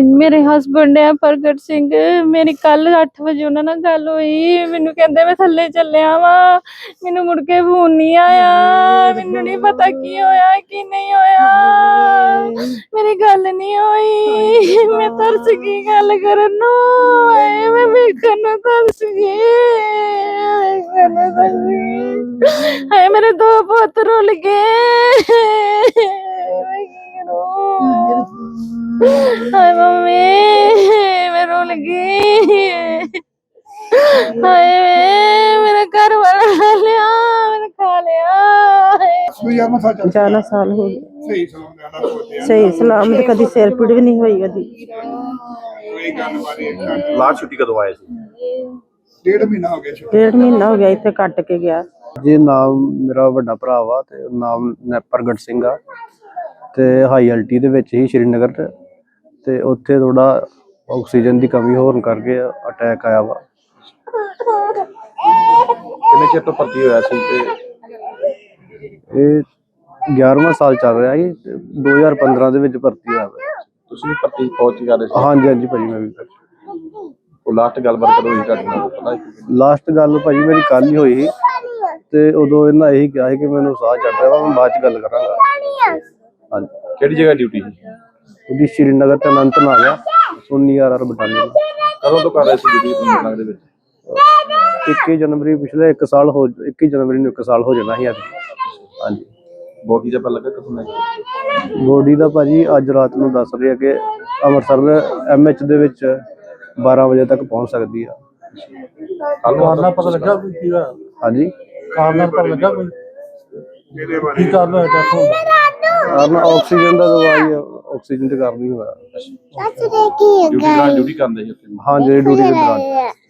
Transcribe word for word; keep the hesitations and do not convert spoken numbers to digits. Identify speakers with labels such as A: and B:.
A: ਮੇਰੇ ਹਸਬੰਡ ਹੈ ਪ੍ਰਗਟ ਸਿੰਘ। ਮੇਰੀ ਕੱਲ ਅੱਠ ਵਜੇ ਉਹਨਾਂ ਨਾਲ ਗੱਲ ਹੋਈ। ਮੈਨੂੰ ਕਹਿੰਦੇ ਮੈਂ ਥੱਲੇ ਚੱਲਿਆ ਵਾ, ਮੈਨੂੰ ਮੁੜ ਕੇ ਫੋਨ ਨਹੀਂ ਆਇਆ। ਮੈਨੂੰ ਨਹੀਂ ਪਤਾ ਕੀ ਹੋਇਆ ਕੀ ਨਹੀਂ ਹੋਇਆ, ਮੇਰੀ ਗੱਲ ਨਹੀਂ ਹੋਈ। ਮੈਂ ਤਰਸ ਗਈ ਗੱਲ ਕਰਨ ਨੂੰ, ਆਏ ਮੈਂ ਵੇਖਣ ਨੂੰ ਤਰਸ ਗਈ, ਵੇਖਣ ਨੂੰ ਤਰਸ ਗਈ। ਹਾਏ ਮੇਰੇ ਦੋ ਪੁੱਤ ਰੁੱਲ ਗਏ। ਮੈਂ ਕੀ ਕਰੂੰ? ਹਾਏ ਮੰਮੀ ਮੈਂ ਰੁੱਲ ਗਈ। ਹਾਏ ਮੇਰਾ ਘਰ ਵਾਲਾ ਖਾ ਲਿਆ, ਮੇਰਾ ਖਾ ਲਿਆ।
B: ਜ਼ਿਆਦਾ ਸਾਲ ਹੋ ਗਏ ਸਹੀ ਸਲਾਮਤ, ਕਦੀ ਸਿਰ ਪੀੜ ਵੀ ਨਹੀਂ ਹੋਈ ਕਦੀ।
C: ਲਾਸਟ ਛੁੱਟੀ ਕਦੋਂ ਆਏ ਸੀ?
D: ਡੇਢ ਮਹੀਨਾ ਹੋ ਗਿਆ।
B: ਡੇਢ ਮਹੀਨਾ ਹੋ ਗਿਆ ਇੱਥੇ ਕੱਟ ਕੇ ਗਿਆ
E: ਜੀ। ਨਾਮ ਮੇਰਾ ਵੱਡਾ ਭਰਾ ਵਾ ਤੇ ਨਾਮ ਪ੍ਰਗਟ ਸਿੰਘ ਆ ਤੇ ਹਾਈ ਐਲਟੀ ਦੇ ਵਿੱਚ ਹੀ ਸ਼੍ਰੀਨਗਰ ਤੇ ਤੇ ਉੱਥੇ ਥੋੜਾ ਆਕਸੀਜਨ ਦੀ ਕਮੀ ਹੋਣ ਕਰਕੇ ਅਟੈਕ ਆਇਆ ਵਾ।
C: ਕਿੰਨੇ ਚਿਰ ਤੋਂ ਭਰਤੀ ਹੋਇਆ ਸੀ ਤੇ
E: ਇਹ ਗਿਆਰਵਾਂ ਸਾਲ ਚੱਲ ਰਿਹਾ ਸੀ। ਦੋ ਹਜ਼ਾਰ ਪੰਦਰਾਂ ਦੇ ਵਿੱਚ ਭਰਤੀ ਹੋਇਆ ਵਾ।
C: ਤੁਸੀਂ ਵੀ ਭਰਤੀ ਫੌਜ ਚ ਕਰਦੇ ਸੀ?
E: ਹਾਂਜੀ ਹਾਂਜੀ ਭਾਜੀ, ਮੈਂ ਵੀ
C: ਉਹ ਲਾਸਟ ਗੱਲਬਾਤ ਕਦੋਂ ਹੋਈ ਤੁਹਾਡੇ ਨਾਲ ਪਤਾ?
E: ਲਾਸਟ ਗੱਲ ਭਾਜੀ ਮੇਰੀ ਕੱਲ ਹੀ ਹੋਈ ਸੀ ਤੇ ਉਦੋਂ ਇਹਨਾਂ ਇਹੀ ਕਿਹਾ ਸੀ ਕਿ ਮੈਨੂੰ ਸਾਹ ਚੜ ਰਿਹਾ ਵਾ, ਮੈਂ ਬਾਅਦ ਚ ਗੱਲ ਕਰਾਂਗਾ। ਹਾਂਜੀ।
C: ਕਿਹੜੀ ਜਗ੍ਹਾ ਡਿਊਟੀ ਸੀ?
E: ਉਹਦੀ ਸ਼੍ਰੀਨਗਰ ਤੇ ਅਨੰਤਨਾਗ ਆ, ਸੋਨੀ ਆਰ ਆਰ ਬਟਾਲੀਅਨ।
C: ਕਦੋਂ ਤੋਂ ਕਰ ਰਹੇ ਸੀ ਡਿਊਟੀ ਸ਼੍ਰੀਨਗਰ ਦੇ ਵਿੱਚ?
E: ਇੱਕੀ ਜਨਵਰੀ ਪਿਛਲੇ ਇੱਕ ਸਾਲ ਹੋ ਇੱਕੀ ਜਨਵਰੀ ਨੂੰ ਇੱਕ ਸਾਲ ਹੋ ਜਾਣਾ ਸੀ ਅੱਜ। ਹਾਂਜੀ।
C: ਬੋਡੀ ਦਾ ਪਤਾ ਲੱਗਾ ਕਦੋਂ ਲੱਗਾ?
E: ਬੋਡੀ ਦਾ ਭਾਜੀ ਅੱਜ ਰਾਤ ਨੂੰ ਦੱਸ ਰਹੇ ਆ ਕਿ ਅੰਮ੍ਰਿਤਸਰ ਐਮ ਐਚ ਦੇ ਵਿੱਚ ਬਾਰਾਂ ਵਜੇ ਤੱਕ ਪਹੁੰਚ ਸਕਦੀ ਆ।
C: ਕਾਰਨ ਪਤਾ ਲੱਗਾ ਕੀ ਹੋਇਆ?
E: ਹਾਂਜੀ,
C: ਕਾਰਨ ਪਤਾ ਲੱਗਾ ਕੋਈ ਕੀ ਕਾਰਨ ਹੋਇਆ ਡੈਥ ਹੋਣ ਦਾ?
E: ਕਾਰਨ ਆਕਸੀਜਨ ਦਾ ਦਵਾਈ ਆਕਸੀਜਨ ਤੇ ਕਾਰਨ ਹੀ ਹੋਇਆ।
C: ਡਿਊਟੀ ਦੌਰਾਨ ਡਿਊਟੀ ਕਰਦੇ ਸੀ ਉੱਥੇ?
E: ਹਾਂ, ਜਿਹੜੀ ਡਿਊਟੀ ਦੇ ਦੌਰਾਨ।